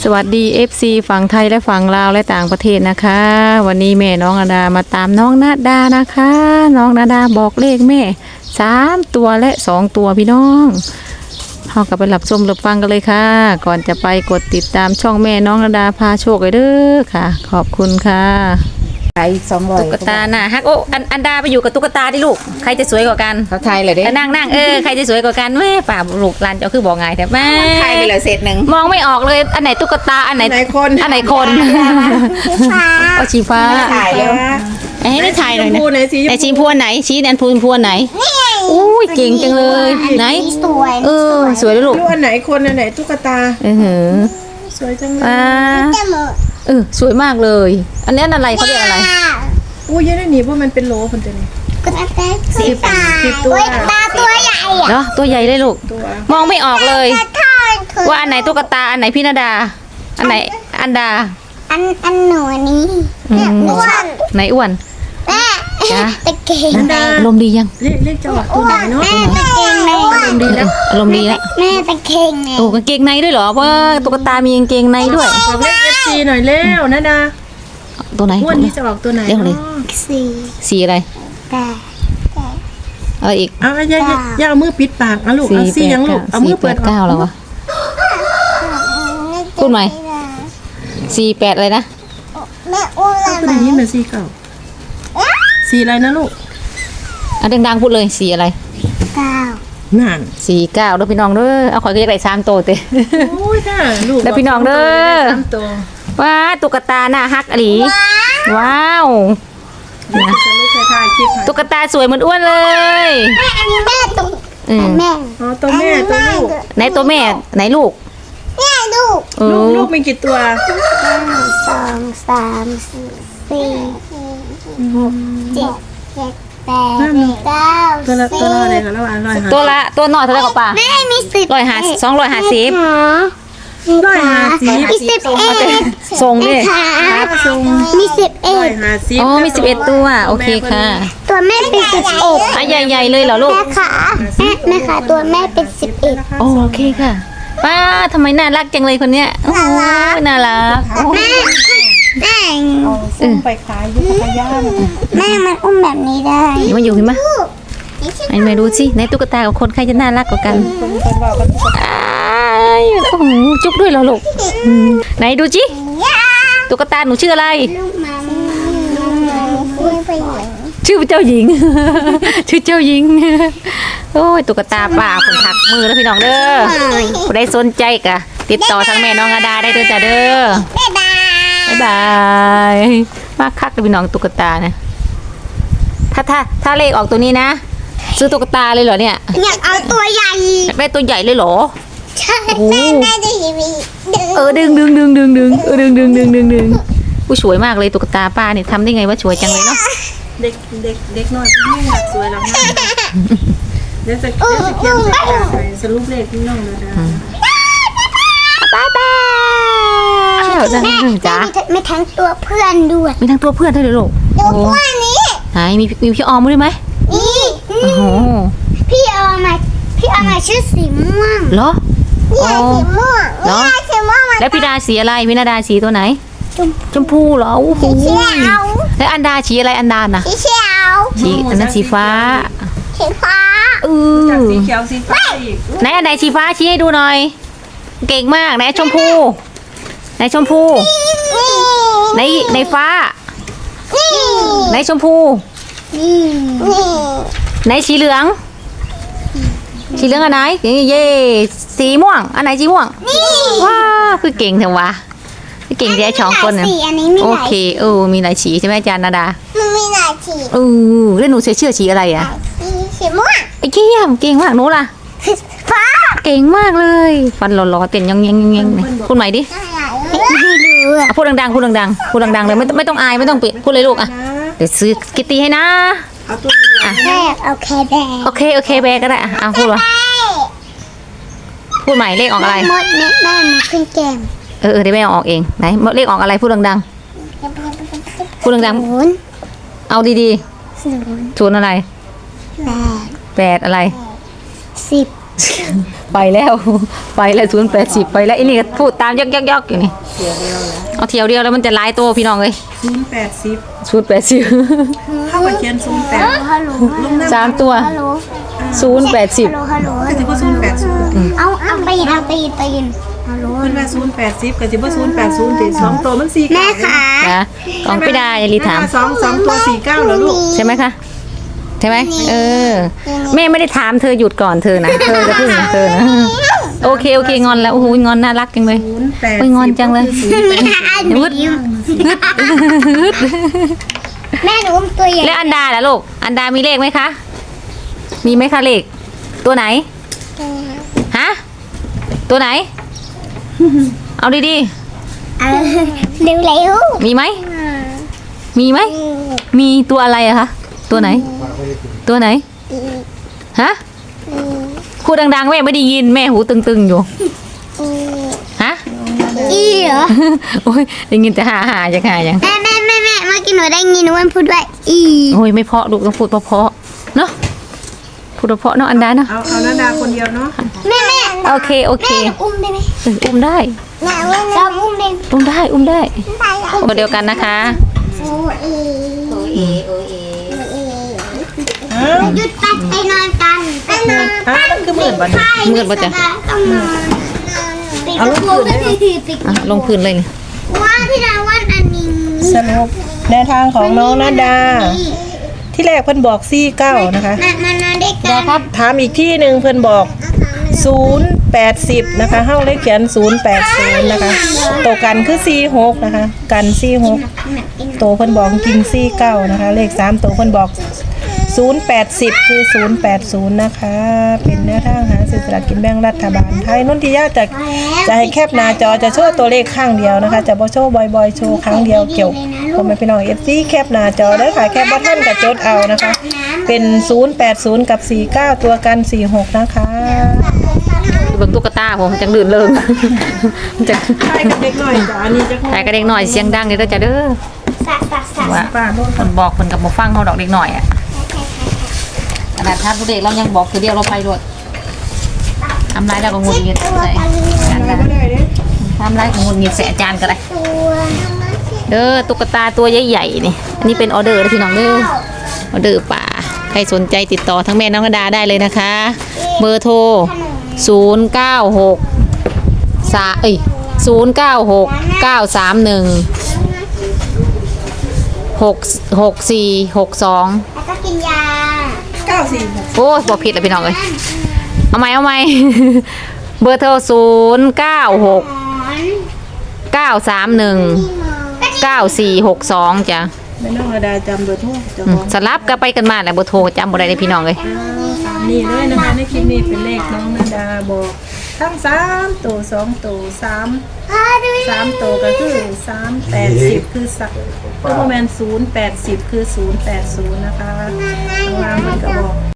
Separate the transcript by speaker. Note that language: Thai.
Speaker 1: สวัสดี FC ฝั่งไทยและฝั่งลาวและต่างประเทศนะคะวันนี้แม่น้องนาดามาตามน้องนาดานะคะน้องนาดาบอกเลขแม่3ตัวและ2ตัวพี่น้องเรากลับไปหลับชมหลับฟังกันเลยค่ะก่อนจะไปกดติดตามช่องแม่น้องนาดาพาโชคเลยเด้อค่ะขอบคุณค่ะ
Speaker 2: ขาย200
Speaker 1: ตุ๊กตาน่ะฮักโอ้อันดาไปอยู่กับตุ๊กตาดิลูกใครจะสวยกว่ากัน
Speaker 2: เขาไทยเลยเด้
Speaker 1: นั่งใครจะสวยกว่ากันแม่ป่าลูกหลานเจ้าคือบอกไงแต่แม่
Speaker 2: ไทยไปเลยเศษหนึ่ง
Speaker 1: มองไม่ออกเลยอันไหนตุ๊กตาอันไหนคนอันไหนคนเอาชีฟ้า
Speaker 2: ถ่ายแล้ว
Speaker 1: ให้ถ่ายหน่อยนะ
Speaker 2: ไหนสีชมพู
Speaker 1: ไหนชีพวนไหนชี้แนนพวนไหนอุ้ยเก่งจังเลยไหน
Speaker 3: สวย
Speaker 1: สวยเลยลูก
Speaker 4: ดูอันไหนคนอันไหนตุ๊กตาสวยจังเลย
Speaker 1: สวยมากเลยอันนี้อะไรเขาเรียกอะไร
Speaker 4: อู้ยยังได้หนีเพราะมันเป็นโหลคนตัวนี้
Speaker 3: 10 ตัวตัวใหญ่อะ
Speaker 1: เนาะตัวใหญ่เลยลูกมองไม่ออกเลยว่าอันไหนตุ๊กตาอันไหนพี่นาดาอันไหนอันดา
Speaker 3: อันหนูนี้อ้วน
Speaker 1: ไหนอ้วน
Speaker 3: แม่ตะเกียง
Speaker 1: ลมดียัง
Speaker 4: เรียกจังหวะตัวไหนเนาะ
Speaker 3: แม่ตะเกียงใน
Speaker 1: ลมดีแล้วลมดีแล้ว
Speaker 3: แม่ตะเกียงใน
Speaker 1: โอ้กางเกงในด้วยเหรอว่าตุ๊กตามีกางเกงในด้วย
Speaker 4: บอกเลข FC หน่อยเร็วนะดา
Speaker 1: ตัวไหน
Speaker 4: วันนี้จะออกตัวไหน
Speaker 1: เรียกเลยสีอะไร
Speaker 3: แต่
Speaker 1: อีก
Speaker 4: อย่าเอามือปิดปากนะลูกเอาซี่ยังลูกเอามือเปิด
Speaker 1: 9แล้ววะพูดใหม่48อะไรนะ
Speaker 3: แม่อ้วน
Speaker 4: ตัวนี้มันซี่เก่าสีอะไรนะลูก
Speaker 1: ดังๆพูดเลยสีอะไร
Speaker 4: นั่น
Speaker 1: 49แล้วพี่น้องเด้อเอาข่อยก็อยากได้3โตเต้
Speaker 4: โอ้ยค่ะลูก
Speaker 1: แล้วพี่น้องเด้อว้าตุ๊กตาหน้าฮักอลีว้าวตุ๊กตาสวยเหมือนอ้วนเลย
Speaker 3: แม่อันนี้แม่ตุ๊กแม่
Speaker 4: อ๋อตัวแม่ตัวลูก
Speaker 1: ไหนตัวแม่ไหนลูก
Speaker 3: แม่ลูก
Speaker 4: ลูกมีกี่ตัว
Speaker 3: 1 2 3 4 5 6 7 8 9
Speaker 4: ตัวละอะไรกันแล้ว
Speaker 1: ตัวหน่อยเท่าไหร่กับป้า
Speaker 3: แม่มี10
Speaker 1: 250
Speaker 3: มี11
Speaker 1: ส่งดิ
Speaker 3: มี11
Speaker 1: อ๋อมี11ตัวโอเคค่ะ
Speaker 3: ตัวแม่เป็น11
Speaker 1: ใหญ่ๆเลยเหรอลูก
Speaker 3: แม่ค่ะตัวแม่เป็น11
Speaker 1: โอเคค่ะป้าทำไมน่ารักจังเลยคนเนี้ยโอ้น่ารัก
Speaker 3: แม่
Speaker 4: ส่งไปขายยุคย่า
Speaker 3: แม่มันอุ้มแบบนี้ได้
Speaker 1: มาอยู่เห็นไหมไอ้แม่ดูสิในตุ๊กตากับคนใครจะน่ารักกว่ากันโอ้โหจุ๊บด้วยเหรอลูกไหนดูจิตุ๊กตาหนูชื่ออะไรชื่อเจ้าหญิงชื่อเจ้าหญิงโอ้ยตุ๊กตาป่าคนถักมือแล้วพี่น้องเด้อผู้ใดสนใจกะติดต่อทางแม่น้องอาดาได้เด้อจ้าเด้อบ๊ายบายมากคักเลยพี่น้องตุ๊กตานะถ้าเลขออกตัวนี้นะซื้อตุ๊กตาเลยเหรอเนี่ย
Speaker 3: อยากเอาตัวใหญ่
Speaker 1: อยากได้ตัวใหญ่เลยเหรอ
Speaker 3: ใช่แม่ได้ทีวี
Speaker 1: ดึงผู้สวยมากเลยตุ๊กตาป้าเนี่ยทำได้ไงว่าสวยจังเลยเนาะ
Speaker 4: เด็กน้อยพี่อยากสวยแล้วนะเดี๋ยวจะเขียนสรุปเลขพี่น้องนะ
Speaker 1: ป้า
Speaker 3: แม่จ๋าไม่ทั้งตัวเพื่อนด้วย
Speaker 1: มีทั้งตัวเพื่อนด้วยลูก
Speaker 3: ตัวเพื่อนนี้
Speaker 1: ไหนมีพี่ออมด้วยไหม
Speaker 3: นี่
Speaker 1: โอ้โห
Speaker 3: พี่ออมชื่อสีม่วง
Speaker 1: เหรอ
Speaker 3: นี่สีม่วง
Speaker 1: แล้วพี่ดาสีอะไรพี่นาดาสีตัวไหนชมพูเหรอโอ้โหแล้วอันดาสีอะไรอันดาน่ะ
Speaker 3: สีเขียว
Speaker 1: สีอันนั้นสีฟ้า
Speaker 4: สีเขียวสีฟ้า
Speaker 1: ไหนอันไหนสีฟ้าชี้ให้ดูหน่อยเก่งมากไหนชมพูในฟ้าในชมพูในสีเหลืองอันไหนเย่สีม่วงอันไหนสีม่วงว้าคือเก่งเถอะวะเก่งแค่2 คนเนี่ยโอเคมีหลายสีใช่ไหมอาจารย์นาดา
Speaker 3: มีหลายสี
Speaker 1: แล้วหนูใส่เสื้อสีอะไรอ่ะ
Speaker 3: สีม่วง
Speaker 1: ไอ้เกี้ยมเก่งมากหนูล่ะ
Speaker 3: ฟ้า
Speaker 1: เก่งมากเลยฟันหล่อๆเต้นยังพูดใหม่ดิพูดดังๆเลยไม่ต้องอายไม่ต้องปิดพูดเลยลูกอ่ะเดี๋ยวซื้อกิตตี้ให้นะ
Speaker 3: แม่โอ
Speaker 1: เคแบกก็ได้อ่ะพูดว่าพูดใหม่เลขออกอะไร
Speaker 3: มดแม่มาขึ้นแก้ม
Speaker 1: เดี๋ยวแม่ออกเองไหนเลขออกอะไรพูดดังๆเอาดีๆศูนย์อะไร8อะไร10 ไปแล้ว ไปแล้ว080ไปแล้วไอ้นี่ก็พูดตามยอกๆอยู่นี่เอาเที่ยวเดียวแล้วมันจะหลายตัวพี่น้องเอ้ย
Speaker 4: 080
Speaker 1: 080
Speaker 4: เข้าไปเขียน08
Speaker 3: ฮัลโหล
Speaker 4: ลงน้ำ
Speaker 1: สามตัว
Speaker 3: ฮัลโหล
Speaker 1: 080
Speaker 3: ฮัลโหล
Speaker 4: ก็สิบ่080
Speaker 3: เอาตีนฮัลโหล
Speaker 4: เพิ่นว่า080ก็สิบ่080ติ2ตัวมัน49
Speaker 3: แม่ค่ะ
Speaker 1: นะกองพี่ดาอย่ารีถาม
Speaker 4: 2ตัว49เหรอลูก
Speaker 1: ใช่ไหมคะใช่ไหมแม่ไม่ได้ถามเธอหยุดก่อนเธอนะเธอจะพึ่งเธอนะโอเคงอนแล้วโอ้โหงอนน่ารักจังเลย
Speaker 4: 08
Speaker 1: โอ้ยงอนจังเลย
Speaker 3: วึดแม่หนูตัวใหญ่
Speaker 1: แล้วอันดาล่ะลูกอันดามีเลขไหมคะมีไหมคะเลขตัวไหนฮะตัวไหนเอาดี
Speaker 3: เร็ว
Speaker 1: ๆมีไหมมีไหมมีตัวอะไรอะคะตัวไหนตัวไหนฮะพูดดังๆแม่ไม่ได้ยินแม่หูตึงๆอยู่ฮะ
Speaker 3: อีเหรอ
Speaker 1: โอ้ยได้ยินแต่หาจะหายัง
Speaker 3: แม่เมื่อกี้หนูได้ยินวันพูดว่าอี
Speaker 1: โอ้ยไม่เพราะลูกต้องพูดเพราะๆเนาะพูดเพราะๆเนาะอันดาเนาะ
Speaker 4: เอานาดาคนเดียวเนาะ
Speaker 3: แม่
Speaker 1: โอเค
Speaker 3: อุ้มได้ไหม
Speaker 1: อุ้มได้
Speaker 3: แม่ชอบอุ้มเด็ก
Speaker 1: อุ้มได้ตัวเดียวกันนะคะ
Speaker 3: โอเอหยุดไปนอนกันไปนอน
Speaker 4: มันคือหมื่นบาท
Speaker 1: มืดปะจ๊ะ
Speaker 3: ต้องนอนปิดประตูปิด
Speaker 1: อ่ะลงพื้นเลยนี่
Speaker 3: ว่าพี่ดาวันอันนี้
Speaker 4: สรุปแนวทางของน้องนาดา ที่แรกเพิ่นบอก49นะคะ
Speaker 3: มานอนด้วยกัน
Speaker 1: ครับ
Speaker 4: ถามอีกที่หนึ่งเพิ่นบอก080นะคะเฮาเลยเขียน080นะคะตัวกันคือ46นะคะกัน46ตัวเพิ่นบอกกิน49นะคะเลข3ตัวเพิ่นบอก080คือ080นะคะเป็นแนวทางหาซื้อสลากกินแบ่งรัฐบาลไทยนนทิยาจะให้แคปหน้าจอจะโชว์ตัวเลขข้างเดียวนะคะจะบ่โชว์บ่อยๆโชว์ครั้งเดียวเกี่ยวผมเป็นพี่น้อง FC แคปหน้าจอเด้อค่ะแคปบ่ทันก็จดเอานะคะ เป็น080กับ49ตัวกัน46นะคะ
Speaker 1: เบิ่งตุ๊กตาผมจังลื่นเริงจัง
Speaker 4: ใช่กับเด็กหน่อยจ้ะอันนี้จะ
Speaker 1: แต่ก็เด็กหน่อยเสียงดังเด้อจ้ะเด้อ
Speaker 3: สัก
Speaker 1: ว่า
Speaker 4: ป้าโน่น
Speaker 1: คนบอกคนกับบ่ฟังเขาดอกเด็กหน่อยอ่ะขนาดท่านผู้เด็กเรายังบอกคือเดียวเราไปรวดทำร้ายเราก็งุนงิดใส่อาจารย์
Speaker 4: ไม่ได้เด้
Speaker 1: ทำร้ายก็งุนงิดใส่อาจารย์ก็ได้
Speaker 3: ตัว
Speaker 1: ตุ๊กตาตัวใหญ่ๆนี่อันนี้เป็นออเดอร์นะพี่น้องเด้อออเดอร์ป่าใครสนใจติดต่อทั้งแม่น้องกระดาได้เลยนะคะเบอร์โทร096931666462
Speaker 3: แล้วก็กินยา
Speaker 4: 94
Speaker 1: โอ้ยบอกผิดแล้วพี่น้องเอ้ยเอาไหม เบอร์โทร0969319462จ้ะ
Speaker 4: แม่น้องระดาจำเบอร์โทรเจ้า
Speaker 1: อื
Speaker 4: ข
Speaker 1: ม
Speaker 4: อง
Speaker 1: สลับกันไปกันมาแหละเบอร์โทรจำบ่ได้เลยพี่น้องเลย
Speaker 4: นี่เลยนะคะในคลิปนี้เป็นเลขน้องนาดาบอกทั้ง3ตัว2ตัว3ตัวก็คือ380คือสักตัวประมาณ080คือ080นะคะข้างล่างมันก็บอก